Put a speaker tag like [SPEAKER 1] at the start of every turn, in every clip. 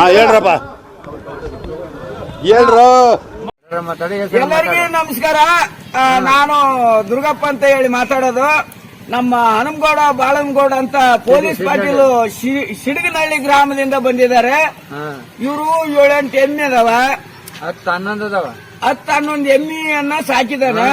[SPEAKER 1] ಹೇಳ್ರಪ್ಪ ಹೇಳ್ರು.
[SPEAKER 2] ಎಲ್ಲರಿಗೂ ನಮಸ್ಕಾರ. ನಾನು ದುರ್ಗಪ್ಪ ಅಂತ ಹೇಳಿ ಮಾತಾಡೋದು. ನಮ್ಮ ಹನುಮಗೌಡ ಬಾಳನಗೌಡ ಅಂತ ಪೊಲೀಸ್ ಪಾಟೀಲ್ ಸಿಡಗನಹಳ್ಳಿ ಗ್ರಾಮದಿಂದ ಬಂದಿದ್ದಾರೆ. ಇವರು 7-8 ಎಮ್ಮೆ ಅದಾವ,
[SPEAKER 3] 10-11 ಅದಾವ.
[SPEAKER 2] 10-11 ಎಮ್ಮೆಯನ್ನ ಸಾಕಿದಾನೆ.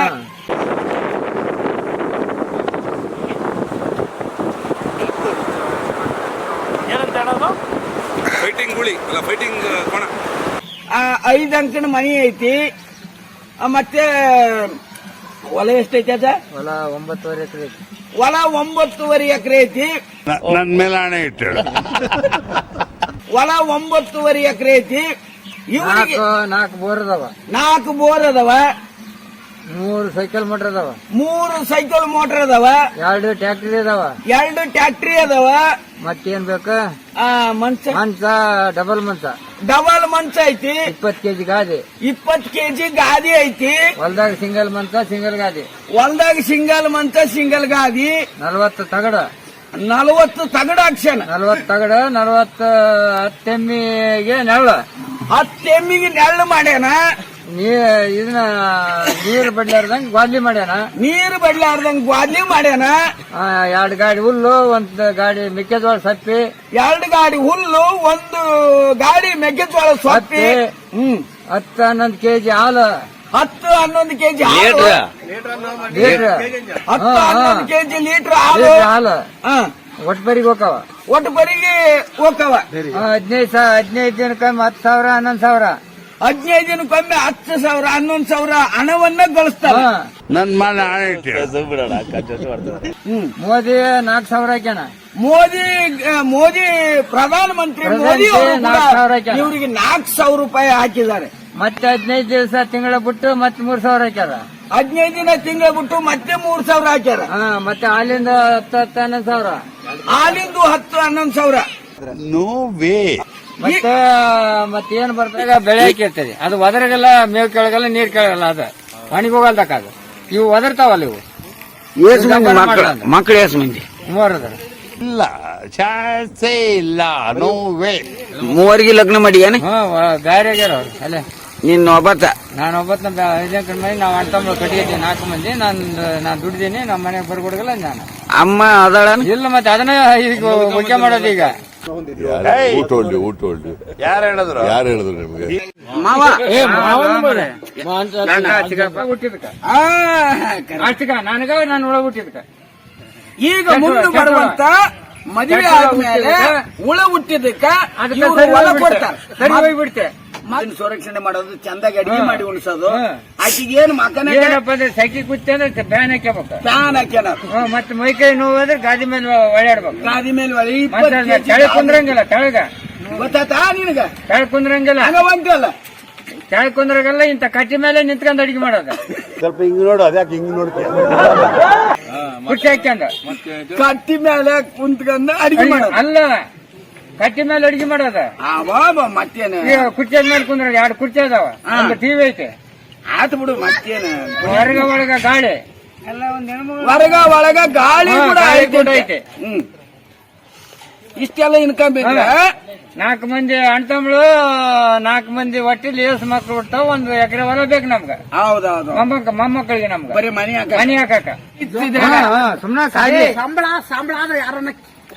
[SPEAKER 4] ಫೈಟಿಂಗ್ ಗುಳಿ ಅಲ್ಲ, ಫೈಟಿಂಗ್ ಕೋಣ.
[SPEAKER 2] 5 ಅಂಕಣ ಮನಿ ಐತಿ. ಮತ್ತೆ ಹೊಲ ಎಷ್ಟೈತಿ ಅದ?
[SPEAKER 3] ಹೊಲ 9.5 ಎಕರೆ ಐತಿ.
[SPEAKER 2] ಹೊಲ 9.5 ಎಕರೆ ಐತಿ.
[SPEAKER 1] ನನ್ ಮೇಲೆ ಹಣೆ ಇಟ್ಟು
[SPEAKER 2] ಹೊಲ 9.5 ಎಕರೆ ಐತಿ. ಇವರಿಗೆ
[SPEAKER 3] 4 ಬೋರ್ ಅದಾವ,
[SPEAKER 2] 4 ಬೋರ್ ಅದಾವ,
[SPEAKER 3] 3 ಸೈಕಲ್ ಮೋಟರ್ ಅದಾವ,
[SPEAKER 2] 3 ಸೈಕಲ್ ಮೋಟರ್ ಅದಾವ,
[SPEAKER 3] 2 ಟ್ರ್ಯಾಕ್ಟರ್ ಅದಾವ,
[SPEAKER 2] 2 ಟ್ರ್ಯಾಕ್ಟರಿ ಅದಾವ.
[SPEAKER 3] ಮತ್ತೇನ್ ಬೇಕು?
[SPEAKER 2] ಮಂಚ
[SPEAKER 3] ಡಬಲ್ ಮಂಚ
[SPEAKER 2] ಐತಿ.
[SPEAKER 3] 20 ಕೆಜಿ ಗಾದಿ,
[SPEAKER 2] 20 ಕೆಜಿ ಗಾದಿ ಐತಿ.
[SPEAKER 3] ಹೊಲ್ದಾಗ ಸಿಂಗಲ್ ಮಂಚ ಸಿಂಗಲ್ ಗಾದಿ,
[SPEAKER 2] ಹೊಲ್ದಾಗ ಸಿಂಗಲ್ ಮಂಚ ಸಿಂಗಲ್ ಗಾದಿ.
[SPEAKER 3] 40 ತಗಡ,
[SPEAKER 2] 40 ತಗಡ ಹಾಕ್ಸ್ಯಾನ.
[SPEAKER 3] 40 ತಗಡ, 40 10 ಎಮ್ಮಿಗೆ ನೆರಳು,
[SPEAKER 2] 10 ಎಮ್ಮಿಗೆ ನೆರಳು ಮಾಡ್ಯಾನ.
[SPEAKER 3] ಇದನ್ನ ನೀರು ಬಡ್ಲಾರ್ದಂಗ ಗ್ವಾದ್ಲಿ ಮಾಡ್ಯಾನ.
[SPEAKER 2] ನೀರು ಬಡ್ಲಾರ್ದಂಗ ಗ್ವಾದ್ಲಿ ಮಾಡ್ಯಾನ.
[SPEAKER 3] 2 ಗಾಡಿ ಹುಲ್ಲು, 1 ಗಾಡಿ ಮೆಕ್ಕೆಜೋಳ ಸಪ್ಪಿ,
[SPEAKER 2] 2 ಗಾಡಿ ಹುಲ್ಲು, 1 ಗಾಡಿ ಮೆಕ್ಕೆಜೋಳ ಸೊಪ್ಪಿ.
[SPEAKER 3] 10-11 ಕೆಜಿ ಹಾಲು,
[SPEAKER 2] 10-11 ಕೆಜಿ ಹಾಲು, 10-11 ಕೆಜಿ ಲೀಟರ್ ಹಾಲು.
[SPEAKER 3] ಒಟ್ಟು ಬರಿಗೆ ಹೋಗವ,
[SPEAKER 2] ಒಟ್ಟು ಬರಿಗೆ ಹೋಗವ.
[SPEAKER 3] 15 ದಿನಕ್ಕೊಮ್ಮೆ 10,000 11,000,
[SPEAKER 2] 15 ದಿನಕ್ಕೊಮ್ಮೆ 10,000 11,000 ಹಣವನ್ನ ಗಳಿಸ್ತಾರ.
[SPEAKER 1] ನನ್ ಮೇಲೆ ಹಣೆ ಇಟ್ಟು
[SPEAKER 3] ಮೋದಿ 4,000 ಹಾಕ್ಯಾನ.
[SPEAKER 2] ಮೋದಿ ಪ್ರಧಾನ ಮಂತ್ರಿ ಮೋದಿ ಅವರು ಇವರಿಗೆ 4,000 ರೂಪಾಯಿ ಹಾಕಿದ್ದಾರೆ.
[SPEAKER 3] ಮತ್ತೆ 15 ದಿವಸ ತಿಂಗಳ ಬಿಟ್ಟು ಮತ್ತೆ 3,000 ಹಾಕ್ಯಾರ.
[SPEAKER 2] 15 ದಿನ ತಿಂಗಳ ಬಿಟ್ಟು ಮತ್ತೆ 3,000 ಹಾಕ್ಯಾರ.
[SPEAKER 3] ಮತ್ತೆ ಹಾಲಿಂದ 10-11,000,
[SPEAKER 2] ಹಾಲಿಂದು 10-11,000.
[SPEAKER 1] No way.
[SPEAKER 3] ಮತ್ತೇನ್ ಬರ್ತಾಗ ಬೆಳೆ ಹಾಕಿರ್ತದೆ. ಅದು ಒದರಗೆಲ್ಲ ಮೇವು ಕೆಳಗಲ್ಲ, ನೀರ್ ಕೆಳಗಲ್ಲ, ಅದು ಒಣಗಿ ಹೋಗಲ್ದಕ್ಕ. ಅದು ಇವು ಒದರ್ತಾವಲ್ಲ, ಇವು
[SPEAKER 2] ಮಕ್ಕಳು ಎಷ್ಟು ಮಂದಿ?
[SPEAKER 3] 3 ಅದಾರ.
[SPEAKER 1] ಇಲ್ಲ, ಚಾನ್ಸೇ ಇಲ್ಲ. No way.
[SPEAKER 2] 3 ಲಗ್ನ ಮಾಡಿ ಏನು?
[SPEAKER 3] ಬ್ಯಾರೆ ಆಗ್ಯಾರ ಅವ್ರು. ಅಲ್ಲೇ
[SPEAKER 2] ನಿನ್ನ ಒಬ್ಬತ್ತ?
[SPEAKER 3] ನಾನು 5 ಮಂದಿ, ನಾವು ಅಣ್ಣ ತಮ್ಮ ಕಟ್ಟಿಗೆ 4 ಮಂದಿ. ನಾನು ದುಡ್ದೀನಿ, ನಮ್ಮ ಮನೆಗೆ ಬರ್ಕೊಡಗಲ್ಲ ನಾನು.
[SPEAKER 2] ಅಮ್ಮ ಅದಾಳ?
[SPEAKER 3] ಇಲ್ಲ, ಮತ್ತೆ ಅದನ್ನ ಈಗ ಮುಖ್ಯ ಮಾಡೋದು. ಈಗ
[SPEAKER 1] ಯಾರು ಹೇಳಿದ್ರು ನಿಮ್ಗೆ?
[SPEAKER 2] ಮಾವ
[SPEAKER 3] ನನಗ ನಾನು ಒಳ ಹುಟ್ಟಿದ್ಕ.
[SPEAKER 2] ಈಗ ಮುಂದೆ ಬರುವಂತ ಮದುವೆ ಆದ್ಮೇಲೆ ಹುಳ ಹುಟ್ಟಿದಕ್ಕ ಹೊಲ ಕೊಡ್ತಾರೆ.
[SPEAKER 3] ಹೋಗ್ಬಿಡ್ತೆ.
[SPEAKER 2] ಸಂರಕ್ಷಣೆ ಮಾಡೋದು, ಚಂದಾಗಿ ಅಡಿಗೆ ಮಾಡಿ ಉಣಿಸೋದು. ಆಕಿಗೆ ಏನು ಮಕ್ಕನ
[SPEAKER 3] ಸೈಕಿ ಕುತ್ತೆ ಅಂದ್ರೆ ಫ್ಯಾನ್ ಹಾಕ್ಯಬೇಕು.
[SPEAKER 2] ಫ್ಯಾನ್ ಹಾಕ್ಯಾನ.
[SPEAKER 3] ಮತ್ತೆ ಮೈಕೈ ನೋವಾದ್ರೆ ಗಾದಿ ಮೇಲೆ ಒಳ್ಳೆಡ್ಬೇಕು.
[SPEAKER 2] ಗಾದಿ ಮೇಲೆ
[SPEAKER 3] ಕೆಳಗೆ ಕುಂದ್ರಂಗಿಲ್ಲ. ಕೆಳಗ
[SPEAKER 2] ಗೊತ್ತಾತಾ ನಿನಗ?
[SPEAKER 3] ಕೆಳಗೆ ಕುಂದ್ರಂಗಿಲ್ಲ,
[SPEAKER 2] ಹಂಗವಂತಲ್ಲ.
[SPEAKER 3] ಕೆಳಗೆ ಕುಂದ್ರಂಗಿಲ್ಲ. ಇಂತ ಕಟ್ಟಿ ಮೇಲೆ ನಿಂತ್ಕೊಂಡ್ ಅಡಿಗೆ ಮಾಡೋದು.
[SPEAKER 1] ಸ್ವಲ್ಪ ಹಿಂಗ್ ನೋಡು, ಅದ್ಯಾಕೆ ಹಿಂಗ್ ನೋಡ್ತೀಯ?
[SPEAKER 3] ಕುರ್ಚಿ ಹಾಕ್ಯಂಡ
[SPEAKER 2] ಕಟ್ಟಿ ಮೇಲೆ ಕುಂತ್ಕೊಂಡ ಅಡಿಗೆ ಮಾಡೋದು
[SPEAKER 3] ಅಲ್ಲ, ಕಟ್ಟಿ ಮೇಲೆ ಅಡಿಗೆ ಮಾಡೋದ.
[SPEAKER 2] ಮತ್ತೇನು?
[SPEAKER 3] ಕುರ್ಚಿ ಮೇಲೆ ಕುಂದ್ರ 2 ಕುರ್ಚಿ ಅದಾವ, ಒಂದು ಟಿವಿ ಐತೆ.
[SPEAKER 2] ಆತು ಬಿಡು, ಮತ್ತೇನು?
[SPEAKER 3] ಒಳಗ ಗಾಳಿ,
[SPEAKER 2] ಒಳಗ ಗಾಳಿ ಕೂಡ ಐತೆ. ಇಷ್ಟೆಲ್ಲ ಇನ್ಕಮ್ ಇದ್ರೆ
[SPEAKER 3] 4 ಮಂದಿ ಅಣ್ತಂಬ್ಳು, 4 ಮಂದಿ ಒಟ್ಟಿಲಿ ಏಸ್ ಮಕ್ಳು ಹುಡ್ತಾವ. 1 ಎಕರೆ ಹೊಲ ಬೇಕು ನಮ್ಗ.
[SPEAKER 2] ಹೌದೌದು.
[SPEAKER 3] ಮೊಮ್ಮಕ್ಕಳಿಗೆ ನಮ್ಗ
[SPEAKER 2] ಬರೀ ಮನಿ
[SPEAKER 3] ಹಾಕಾಕ. ಸುಮ್ನ
[SPEAKER 2] ಸಂಬಳ ಆದ್ರೆ ಯಾರನ್ನ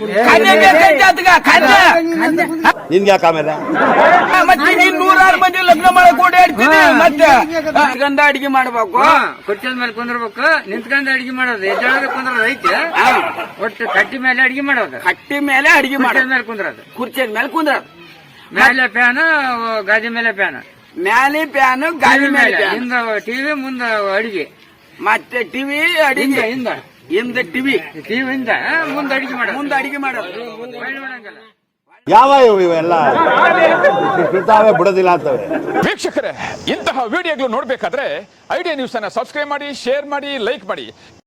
[SPEAKER 1] ನಿನ್ಗೆ ಯಾಕೆ ಆಮೇಲೆ?
[SPEAKER 2] ಮತ್ತೆ 100 ಮಂದಿ ಲಗ್ನ ಮಾಡಕ್ ಓಡಾಡ್ತೀನಿ. ಮತ್ತೆ ಗಂಧ ಅಡಿಗೆ ಮಾಡ್ಬೇಕು,
[SPEAKER 3] ಕುರ್ಚದ ಮೇಲೆ ಕುಂದ್ರಬೇಕು, ನಿಂತ್ಕೊಂಡ್ ಅಡಿಗೆ ಮಾಡೋದು. ಎದ್ದಾಳದ ಕುಂದ್ರದ ಐತೆ. ಒಟ್ಟು ಕಟ್ಟಿ ಮೇಲೆ ಅಡಿಗೆ ಮಾಡೋದು.
[SPEAKER 2] ಕಟ್ಟಿ ಮೇಲೆ ಅಡಿಗೆ ಮಾಡೋದು,
[SPEAKER 3] ಮೇಲೆ ಕುಂದ್ರದು.
[SPEAKER 2] ಕುರ್ಚಿ ಮೇಲೆ ಕುಂದ್ರದು.
[SPEAKER 3] ಮೇಲೆ ಫ್ಯಾನ್, ಗಾದಿ ಮೇಲೆ ಫ್ಯಾನ್,
[SPEAKER 2] ಮ್ಯಾಲೆ ಫ್ಯಾನ್, ಗಾದಿ ಮೇಲೆ
[SPEAKER 3] ಹಿಂದ ಟಿವಿ, ಮುಂದ ಅಡಿಗೆ.
[SPEAKER 2] ಮತ್ತೆ ಟಿವಿ ಅಡಿಗೆ, ಹಿಂದ ಟಿವಿ
[SPEAKER 3] ಹಿಂದ ಮುಂದೆ ಅಡಿಗೆ ಮಾಡೋದು.
[SPEAKER 2] ಮುಂದೆ ಅಡಿಗೆ ಮಾಡೋದು.
[SPEAKER 1] ಯಾವ ಇವೆಲ್ಲ ಬಿಡೋದಿಲ್ಲ ಅಂತವೆ.
[SPEAKER 5] ವೀಕ್ಷಕರೇ, ಇಂತಹ ವಿಡಿಯೋಗಳು ನೋಡಬೇಕಾದ್ರೆ ಐಡಿಯಾ ನ್ಯೂಸ್ ಅನ್ನ ಸಬ್ಸ್ಕ್ರೈಬ್ ಮಾಡಿ, ಶೇರ್ ಮಾಡಿ, ಲೈಕ್ ಮಾಡಿ.